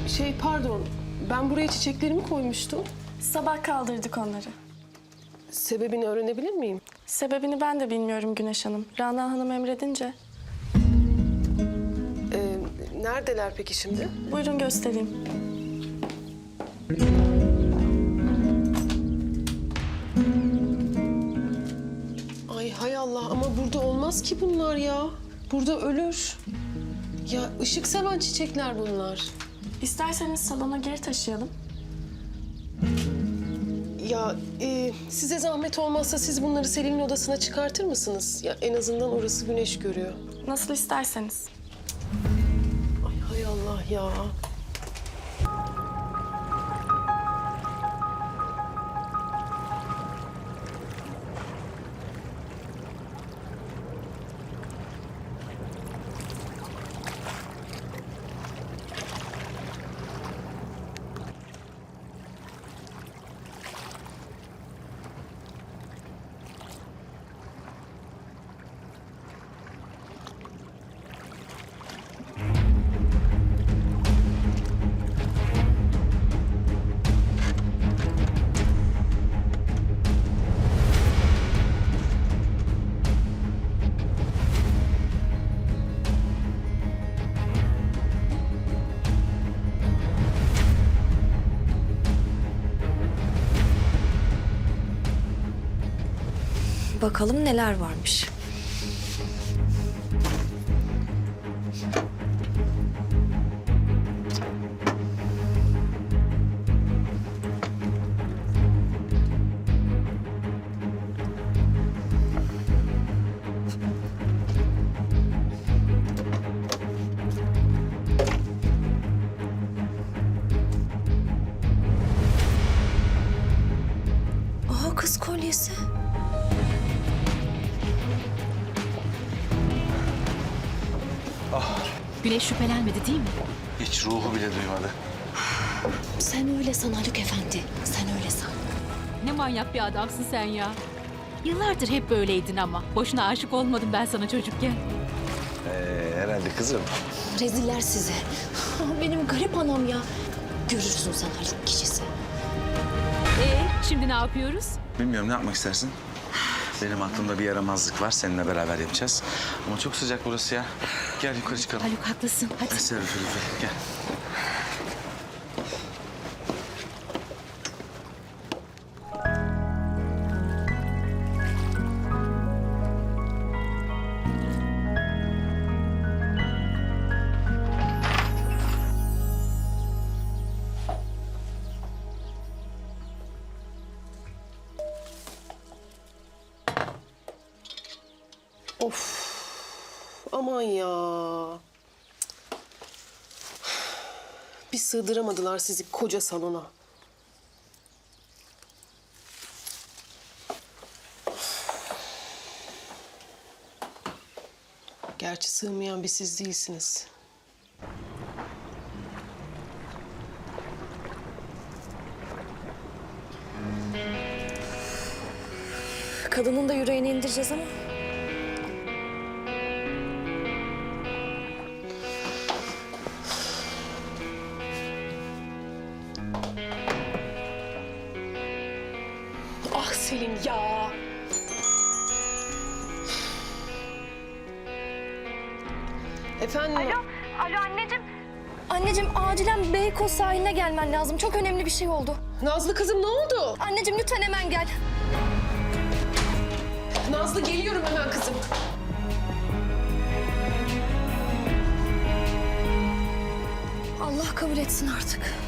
Pardon. Ben buraya çiçeklerimi koymuştum. Sabah kaldırdık onları. Sebebini öğrenebilir miyim? Sebebini ben de bilmiyorum Güneş Hanım. Rana Hanım emredince. Neredeler peki şimdi? Buyurun göstereyim. Ay hay Allah ama burada olmaz ki bunlar ya. Burada ölür. Ya ışık seven çiçekler bunlar. İsterseniz salona geri taşıyalım. Ya size zahmet olmazsa siz bunları Selin'in odasına çıkartır mısınız? Ya en azından orası güneş görüyor. Nasıl isterseniz. Ay hay Allah ya. Bakalım neler varmış. Aha, kız kolyesi. Güneş şüphelenmedi değil mi? Hiç ruhu bile duymadı. Sen öyle san Haluk Efendi. Sen öyle san. Ne manyak bir adamsın sen ya. Yıllardır hep böyleydin ama. Boşuna aşık olmadım ben sana çocukken. Herhalde kızım. Reziller size. Benim garip anam ya. Görürsün sen Haluk kişisi. Şimdi ne yapıyoruz? Bilmiyorum, ne yapmak istersin? Benim aklımda bir yaramazlık var. Seninle beraber yapacağız. Ama çok sıcak burası ya. Gel yukarı çıkalım. Haluk haklısın. Hadi. Eser üfür üfür. Gel. Of. Aman ya. Bir sığdıramadılar sizi koca salona. Gerçi sığmayan bir siz değilsiniz. Kadının da yüreğini indireceğiz ama. Ah Selin ya. Efendim? Alo anneciğim. Anneciğim acilen Beykoz sahiline gelmen lazım. Çok önemli bir şey oldu. Nazlı kızım ne oldu? Anneciğim lütfen hemen gel. Nazlı geliyorum hemen kızım. Allah kabul etsin artık.